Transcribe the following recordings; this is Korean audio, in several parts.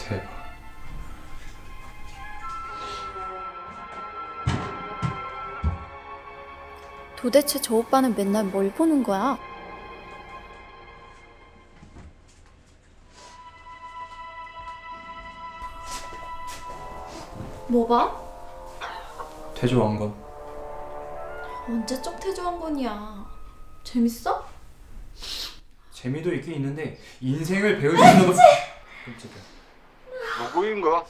대박. 도대체 저 오빠는 맨날 뭘 보는 거야? 뭐 봐? 태조왕건. 언제적 태조왕건이야. 재밌어? 재미도 있긴 있는데 인생을 배우주는 건 끔찍해. 누구인가?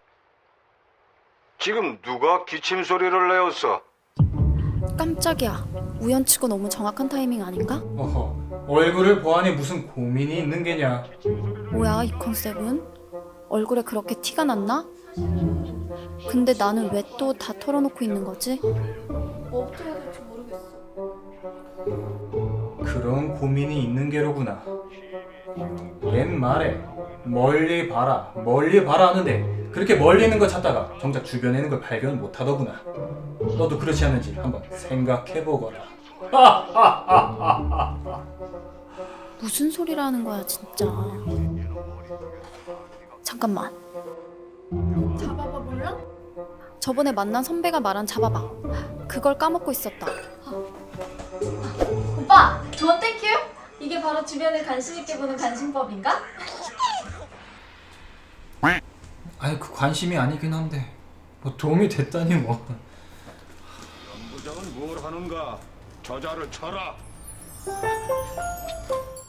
지금 누가 기침 소리를 내었어? 깜짝이야. 우연치고 너무 정확한 타이밍 아닌가? 어허, 얼굴을 보아니 무슨 고민이 있는 게냐. 뭐야 이 컨셉은? 얼굴에 그렇게 티가 났나? 근데 나는 왜 또 다 털어놓고 있는 거지? 뭐부터 해야 될지 모르겠어. 그런 고민이 있는 게로구나. 옛말에 멀리 봐라 하는데 그렇게 멀리 있는 걸 찾다가 정작 주변에 있는 걸 발견 못하더구나. 너도 그렇지 않은지 한번 생각해보거라. 무슨 소리라는 거야 진짜. 잠깐만. 잡아봐 몰라? 저번에 만난 선배가 말한 잡아봐. 그걸 까먹고 있었다. 오빠! 조언 땡큐! 이게 바로 주변을 관심 있게 보는 관심법인가? 아니 그 관심이 아니긴 한데 뭐 도움이 됐다니 뭐. 부장은 뭘 하는가? 저자를 쳐라.